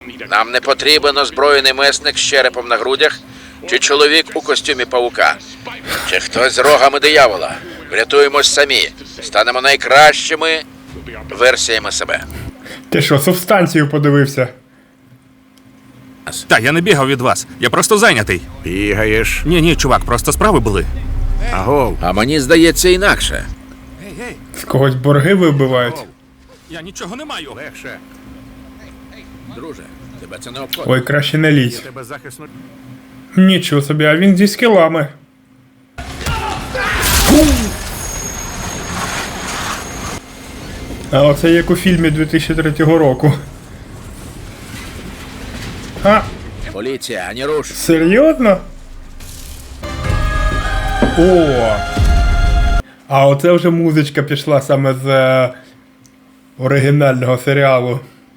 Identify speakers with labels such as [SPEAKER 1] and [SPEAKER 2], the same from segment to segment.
[SPEAKER 1] Нам не потрібен озброєний месник з черепом на грудях чи чоловік у костюмі павука. Чи хтось з рогами диявола. Врятуємось самі. Станемо найкращими версіями себе.
[SPEAKER 2] Ти що, субстанцію подивився?
[SPEAKER 3] Та я не бігав від вас. Я просто зайнятий.
[SPEAKER 4] Бігаєш.
[SPEAKER 3] Ні, чувак, просто справи були.
[SPEAKER 4] Агов.
[SPEAKER 1] А мені здається інакше.
[SPEAKER 2] З когось борги вибивають.
[SPEAKER 3] Я нічого не маю.
[SPEAKER 4] Легше.
[SPEAKER 1] Друже, тебе це не обходить.
[SPEAKER 2] Ой, краще не лізь.
[SPEAKER 4] Тебе захисно.
[SPEAKER 2] Нічого собі, а він зі скілами. А оце як у фільмі 2003 року. А,
[SPEAKER 1] Поліція, ані руш.
[SPEAKER 2] серйозно? О! А оце вже музичка пішла саме з оригінального серіалу.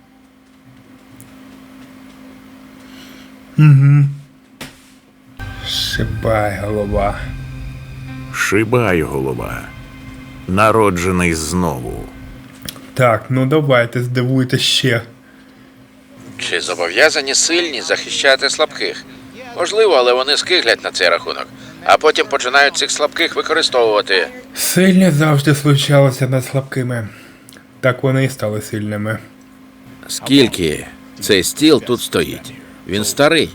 [SPEAKER 2] Угу. Шибай, голова.
[SPEAKER 4] Шибай, голова. Народжений знову.
[SPEAKER 2] Так, ну давайте, здивуйте ще.
[SPEAKER 1] Чи зобов'язані сильні захищати слабких? Можливо, але вони скиглять на цей рахунок, а потім починають цих слабких використовувати.
[SPEAKER 2] Сильні завжди случалося над слабкими. Так вони і стали сильними.
[SPEAKER 1] Скільки цей стіл тут стоїть? Він старий.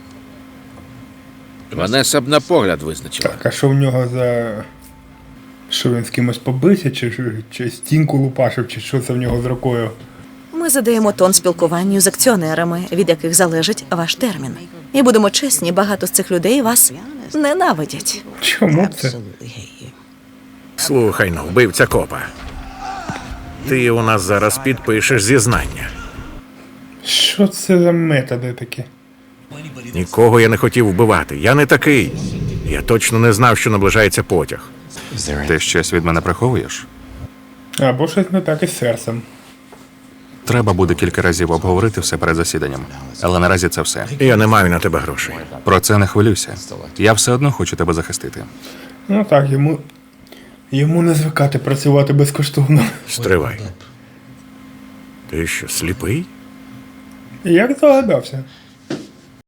[SPEAKER 1] Ванеса б на погляд визначила.
[SPEAKER 2] Так, а що в нього за. Що він з кимось побився, чи стінку лупашив, чи що це в нього з рукою?
[SPEAKER 5] Ми задаємо тон спілкуванню з акціонерами, від яких залежить ваш термін. І будемо чесні, багато з цих людей вас ненавидять.
[SPEAKER 2] Чому це?
[SPEAKER 4] Слухай ну, вбивця копа. Ти у нас зараз підпишеш зізнання.
[SPEAKER 2] Що це за методи такі?
[SPEAKER 4] Нікого я не хотів вбивати. Я не такий. Я точно не знав, що наближається потяг.
[SPEAKER 3] Ти щось від мене приховуєш?
[SPEAKER 2] Або щось не так із серцем.
[SPEAKER 3] Треба буде кілька разів обговорити все перед засіданням. Але наразі це все.
[SPEAKER 4] Я не маю на тебе грошей.
[SPEAKER 3] Про це не хвилюйся. Я все одно хочу тебе захистити.
[SPEAKER 2] Ну так, йому не звикати працювати безкоштовно.
[SPEAKER 4] Стривай. Ти що, сліпий?
[SPEAKER 2] Як здогадався?